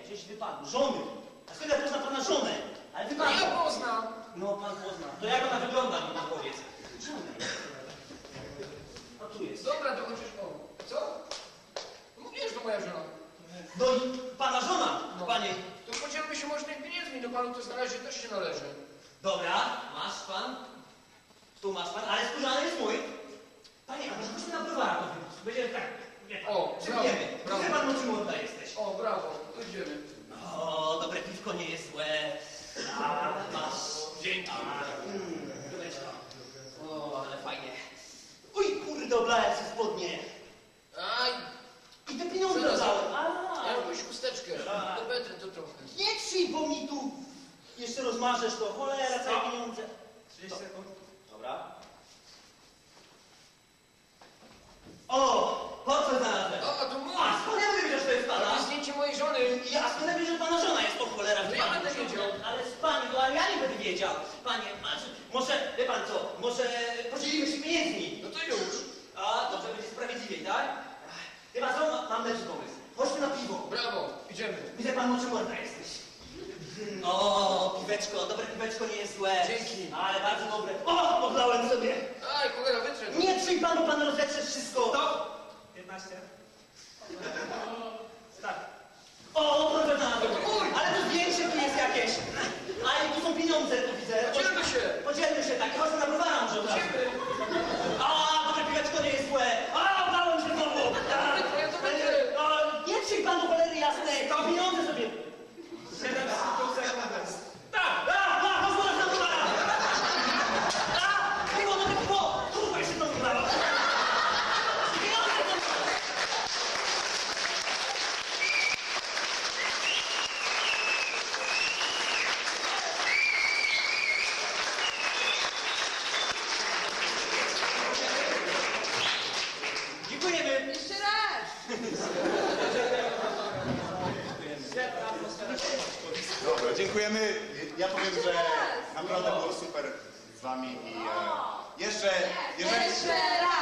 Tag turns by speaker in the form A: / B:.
A: gdzieś wypadł. Żony. A skąd ja poznam pana żonę? Ale wypadł.
B: Ja poznam.
A: No, pan pozna. To jak ona wygląda, mi pan powiedz. Żonę. A tu jest.
B: Dobra, to chociaż co? Mówisz, to moja żona.
A: No i pana żona,
B: No.
A: panie.
B: To podzielmy się możnymi pieniędzmi, no panu to na razie też się należy.
A: Dobra, masz pan. Tu masz pan, ale skórzany jest mój. Panie, a może chodźmy na browara to wypić? Będzie tak, wie pan.
B: O,
A: Przepijemy.
B: brawo.
A: Gdzie pan mocy młoda jesteś?
B: O, brawo, to idziemy.
A: O, dobre piwko nie jest złe. A, masz.
B: Dzięki.
A: Rureczka. O, ale fajnie. Uj, kurde, oblałem się spodnie.
B: Aj,
A: I te pieniądze
B: Zaraz.
A: dałem.
B: ja jakąś chusteczkę.
A: Tak.
B: Do Petry to trochę.
A: Nie trzyj, bo mi tu jeszcze rozmarzesz to. Cholera, całe pieniądze.
C: 30 sekund.
A: Dobra. O, portfel znalazłem.
B: O, a to mój.
A: A skąd ja wiem, że to jest
B: To
A: pana?
B: jest zdjęcie mojej żony.
A: Ja skąd ja wiem, że pana żona jest? O cholera,
B: No ja będę wiedział.
A: Ale z pani, to ale ja nie będę wiedział. Panie, może, wie pan co, może podzielimy się pieniędzmi.
B: No to już.
A: A, dobrze, będzie sprawiedliwiej, tak? Wie pan co, mam lepszy pomysł. Chodźmy na piwo.
B: Brawo, idziemy.
A: Widzę pan, moczymorda jesteś. O, piweczko, dobre piweczko nie jest złe.
B: Dzięki.
A: Ale bardzo dobre. O, oblałem sobie.
B: Aj, cholera, wytrę.
A: Nie trzyj pan, bo pan rozetrze wszystko.
C: Stop! 15. Start.
A: O, proszę na to.
B: Mój.
A: Ale to zdjęcie tu jest jakieś. A i tu są pieniądze, tu widzę.
B: Podzielmy się.
A: Podzielmy się, tak. Chodźmy na browara może od razu.
B: Idziemy.
A: A, dobre piweczko nie jest złe. A, oblałem się znowu.
B: Ja to będę.
A: Nie trzyj pan do cholery jasnej. To pieniądze sobie.
C: 7,5 sekundy.
A: Tak, chodźmy na browara. Piwo, no piwo. Kurwa, się to udało. Pieniądze to... Dziękujemy.
D: Jeszcze raz!
E: Dobra, dziękujemy. Ja powiem, że naprawdę było super z wami i jeszcze, jeżeli...
D: Jeszcze raz!